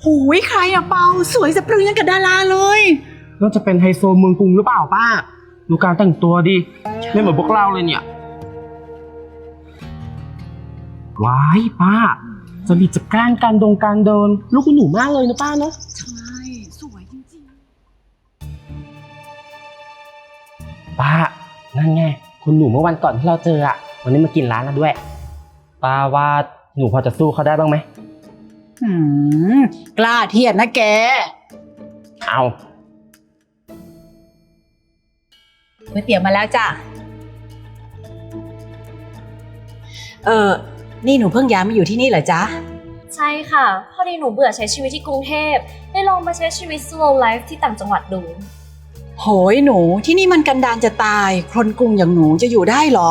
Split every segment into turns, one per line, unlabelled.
หูยใครอะเปาสวยสะพรึงยังกับดาราเลย
น่าจะเป็นไฮโซเมืองกรุงหรือเปล่าป้าดูการแต่งตัวดิไม่เหมือนพวกเราเลยเนี่ยว้ายป้าจะมีจัดการเดินลูกคุณหนูมากเลยนะป้าเนาะ
ใช่สวยจริง
ป้านั่นไงคุณหนูเมื่อวันก่อนที่เราเจออะวันนี้มากินร้านเราด้วยป้าว่าหนูพอจะสู้เขาได้บ้างไหม
กล้าเทียบนะแก
เอา
ก๋วยเตี๋ยวมาแล้วจ้ะนี่หนูเพิ่งย้ายมาอยู่ที่นี่เหรอจ๊ะ
ใช่ค่ะพอดีหนูเบื่อใช้ชีวิตที่กรุงเทพได้ลองมาใช้ชีวิต slow life ที่ต่างจังหวัดดู
โหยหนูที่นี่มันกันดารจะตายคนกรุงอย่างหนูจะอยู่ได้หรอ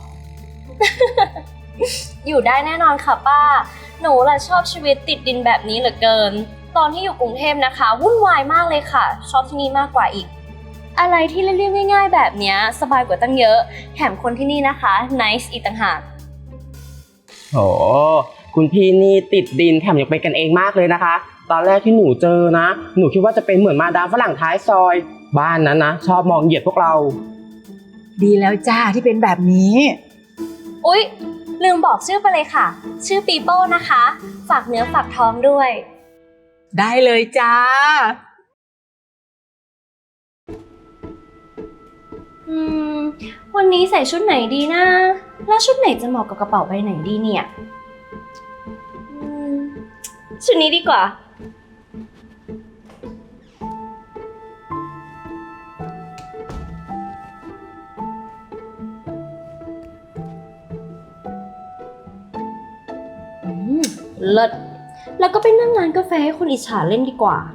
อยู่ได้แน่นอนค่ะป้าหนูล่ะชอบชีวิตติดดินแบบนี้เหลือเกินตอนที่อยู่กรุงเทพนะคะวุ่นวายมากเลยค่ะชอบที่นี่มากกว่าอีกอะไรที่เรียบๆง่ายๆแบบนี้สบายกว่าตั้งเยอะแถมคนที่นี่นะคะ nice อีกต่างหาก
โหคุณพี่นี่ติดดินแถมยังเป็นกันเองมากเลยนะคะตอนแรกที่หนูเจอนะหนูคิดว่าจะเป็นเหมือนมาดามฝรั่งท้ายซอยบ้านนั้นนะชอบมองเหยียดพวกเรา
ดีแล้วจ้าที่เป็นแบบนี้
อุ๊ยลืมบอกชื่อไปเลยค่ะชื่อปีโป้นะคะฝากเนื้อฝากท้องด้วย
ได้เลยจ้า
วันนี้ใส่ชุดไหนดีนะแล้วชุดไหนจะเหมาะกับกระเป๋าใบไหนดีเนี่ยชุดนี้ดีกว่าเลิศแล้วก็ไปนั่งร้านกาแฟให้คนอิจฉาเล่นดีกว่า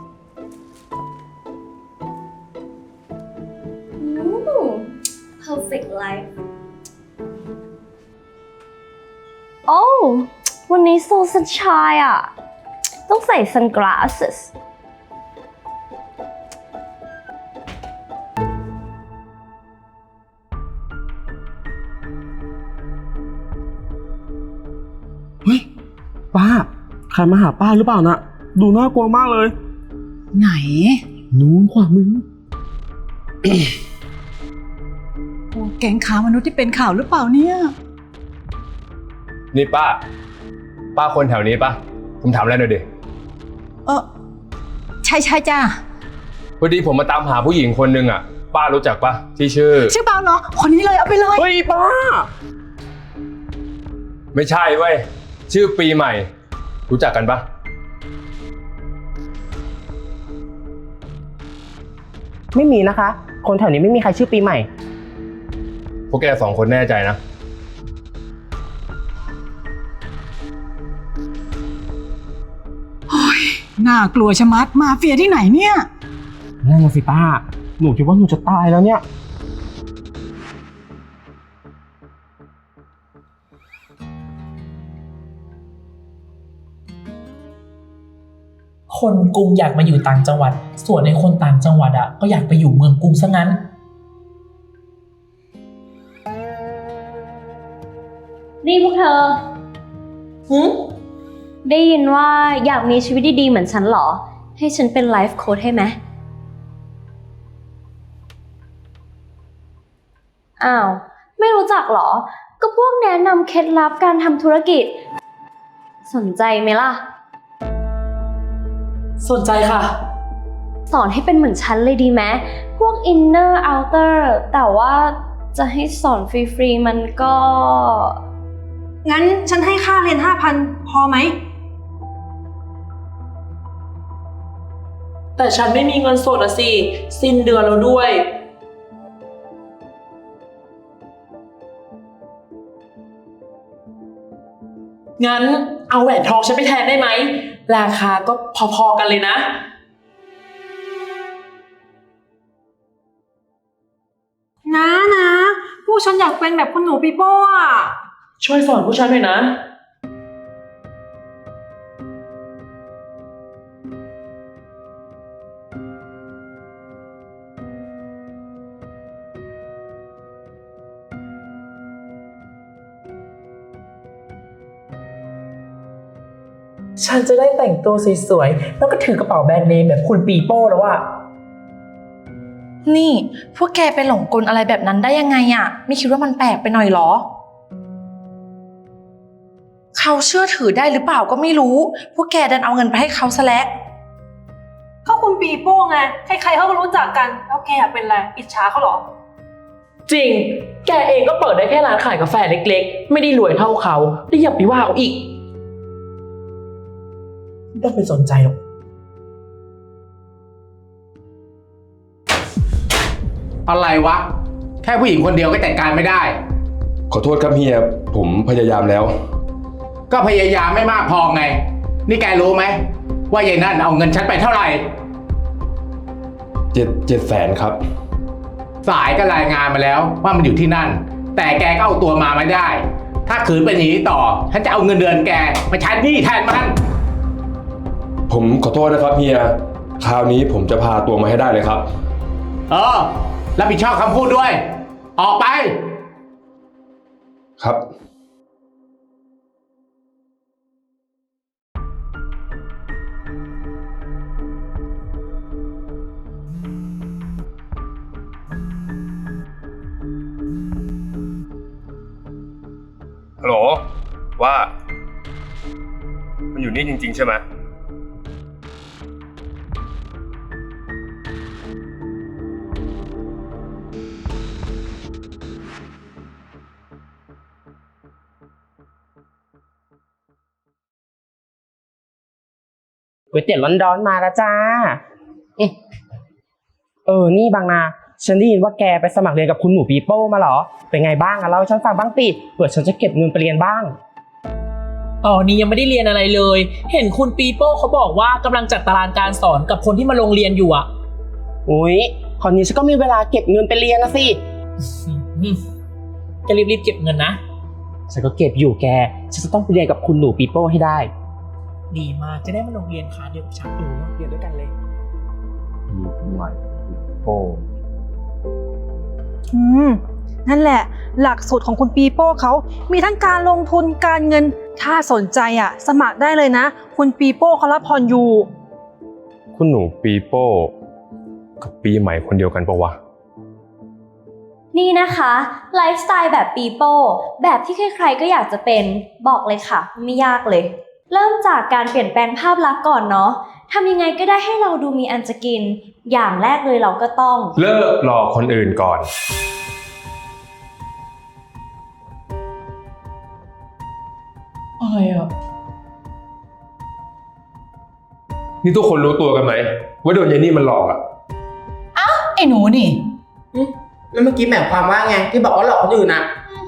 perfect life โอ้วันนี้โซสันชายอ่ะต้องใส่ sunglasses
เฮ้ยป้าใครมาหาป้าหรือเปล่านะดูน่ากลัวมากเลย
ไหน
นู้นขวามือ
แก๊งค้ามนุษย์ที่เป็นข่าวหรือเปล่าเนี่ย
นี่ป้าคนแถวนี้ปะผมถามอะไรหน่อยดิ
ใช่จ้า
พอดีผมมาตามหาผู้หญิงคนนึงอ่ะป้ารู้จักปะที่ชื่อ
เปาเหรอคนนี้เลยเอาไปเลย
เฮ้ยป้า
ไม่ใช่เว้ยชื่อปีใหม่รู้จักกันปะ
ไม่มีนะคะคนแถวนี้ไม่มีใครชื่อปีใหม่
พวกแกสองคนแน่ใจนะ
โอ้ยน่ากลัวชะมัดมาเฟียที่ไหนเนี่ย
นั่นน่ะสิป้าหนูคิดว่าหนูจะตายแล้วเนี่ย
คนกรุงอยากมาอยู่ต่างจังหวัดส่วนในคนต่างจังหวัดอ่ะก็อยากไปอยู่เมืองกรุงซะงั้น
นี่พวกเธอได้ยินว่าอยากมีชีวิตดีๆเหมือนฉันเหรอให้ฉันเป็นไลฟ์โค้ชให้ไหมอ้าวไม่รู้จักเหรอก็พวกแนะนำเคล็ดลับการทำธุรกิจสนใจไหมล่ะ
สนใจค่ะ
สอนให้เป็นเหมือนฉันเลยดีไหมพวก inner outer แต่ว่าจะให้สอนฟรีๆมันก็
งั้นฉันให้ค่าเรียน 5,000 พอไหม
แต่ฉันไม่มีเงินสดอะสิสิ้นเดือนแล้วด้วยงั้นเอาแหวนทองฉันไปแทนได้ไหมราคาก็พอๆกันเลยนะ
พวกฉันอยากเป็นแบบคุณหนูปีโป้อะ
ช่วยสอนผู้ฉันหน่อยนะฉันจะได้แต่งตัวสวยๆแล้วก็ถือกระเป๋าแบรนด์เนมแบบคุณปีโป้แล้วอะ
นี่พวกแกไปหลงกลอะไรแบบนั้นได้ยังไงอะไม่คิดว่ามันแปลกไปหน่อยหรอเขาเชื่อถือได้หรือเปล่าก็ไม่รู้พวกแกดันเอาเงินไปให้เขาซะแล้ว
เขาคุณปีโป้ไง ใครๆเขาก็รู้จักกัน แล้วแกเป็นอะไร อิจฉาเขาเหรอ
จริง แกเองก็เปิดได้แค่ร้านขายกาแฟเล็กๆ ไม่ได้รวยเท่าเขาได้อย่าไปว่าเขาอีกไม่ต้องไปสนใจหรอก
อะไรวะ แค่ผู้หญิงคนเดียวก็จัดการไม่ได้
ขอโทษครับเฮียผมพยายามแล้ว
ก็พยายามไม่มากพอไง นี่แกรู้ไหมว่ายายนั่นเอาเงินฉันไปเท่าไหร่
700,000ครับ
สายก็รายงานมาแล้วว่ามันอยู่ที่นั่น แต่แกก็เอาตัวมาไม่ได้ ถ้าขืนเป็นอย่างนี้ต่อฉันจะเอาเงินเดือนแกมาใช้หนี้แทนมัน
ผมขอโทษนะครับเฮียคราวนี้ผมจะพาตัวมาให้ได้เลยครับ
รับผิดชอบคำพูดด้วย ออกไป
ครับ ฮัลโหลว่า มันอยู่นี่จริงๆใช่ไหม
ก๋วยเตี๋ยวร้อนๆมาแล้วจ้านี่บางนาฉันได้ยินว่าแกไปสมัครเรียนกับคุณหนูปีโป้มาเหรอเป็นไงบ้างอะเล่าให้ฉันฟังบ้างติเผื่อฉันจะเก็บเงินไปเรียนบ้าง
นี่ยังไม่ได้เรียนอะไรเลย เห็นคุณปีโป้เขาบอกว่ากำลังจัดตารางการสอนกับคนที่มาลงเรียนอยู่อะ
อุ๊ยคราวนี้ฉันก็มีเวลาเก็บเงินไปเรียนนะสิ
จะรีบๆเก็บเงินนะ
ฉันก็เก็บอยู่แกฉันจะต้องไปเรียนกับคุณหนูปีโป้ให้ได้
ดีมากจะได้มาลงเรียนคลาสเดียวกับฉันเรียนด้วยกันเลย
นั่นแหละ หลักสูตรของคุณปีโป้เขามีทั้งการลงทุนการเงิน ถ้าสนใจสมัครได้เลยนะ คุณปีโป้เขารับผ่อนอยู่
คุณหนูปีโป้กับปีใหม่คนเดียวกันปะวะ
นี่นะคะไลฟ์สไตล์แบบปีโป้แบบที่ใครๆก็อยากจะเป็นบอกเลยค่ะไม่ยากเลย เริ่มจากการเปลี่ยนแปลงภาพลักษณ์ก่อนเนาะทำยังไงก็ได้ให้เราดูมีอันจะกิน อย่างแรกเลยเราก็ต้อง
เลิกหลอกคนอื่นก่อน
อะไรอ่ะ
นี่ทุกคนรู้ตัวกันไหมว่าโดนยายนี่มันหลอกอ่ะ
ไอ้หนูนี่
แล้วเมื่อกี้หมายความว่าไงที่บอกว่าหลอกคนอื่นอะ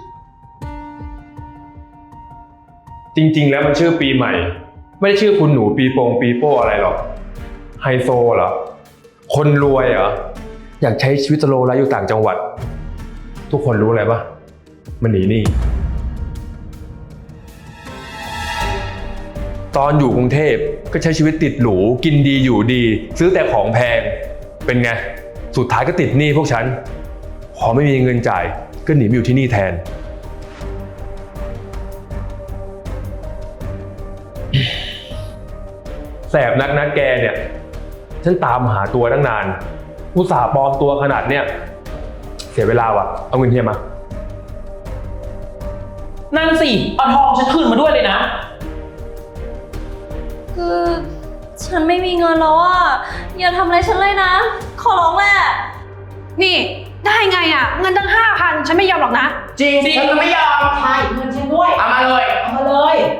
จริงๆแล้วมันชื่อปีใหม่ ไม่ได้ชื่อคุณหนูปีโป้อะไรหรอกไฮโซเหรอคนรวยเหรออยากใช้ชีวิตสโลว์ไลฟ์อยู่ต่างจังหวัด ทุกคนรู้อะไรปะมันหนีหนี้ตอนอยู่กรุงเทพก็ใช้ชีวิตติดหรูกินดีอยู่ดี ซื้อแต่ของแพงเป็นไงสุดท้ายก็ติดหนี้พวกฉันพอไม่มีเงินจ่ายก็หนีมาอยู่ที่นี่แทน แสบนักนะแกเนี่ยฉันตามหาตัวตั้งนานอุตส่าห์ปลอมตัวขนาดเนี้ยเสียเวลาว่ะเอาเงินเฮียมา
นั่นสิเอาทองฉันคืนมาด้วยเลยนะ
คือฉันไม่มีเงินแล้วอ่ะอย่าทำอะไรฉันเลยนะ ขอร้องแหละ
นี่ได้ไงเงินตั้ง5,000ฉันไม่ยอมหรอกนะ
จริงฉันจะไม่ยอมใช่เงินฉันด้วยเอามาเลยเอามาเลย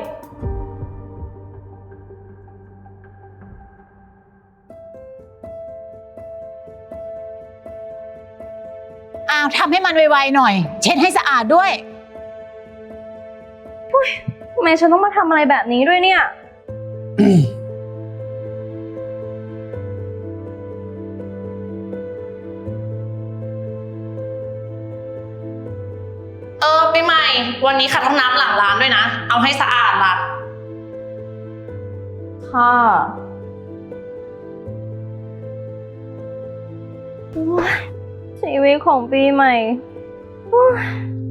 อ้าวทำให้มันไวๆหน่อย เช็ดให้สะอาดด้วย
ทำไมฉันต้องมาทำอะไรแบบนี้ด้วยเนี่ย
ปีใหม่วันนี้ขัดห้องน้ำหลังร้านด้วยนะเอาให้สะอาดล่ะ
ค่ะโอ๊ยชีวิตของปีใหม่โอ๊ย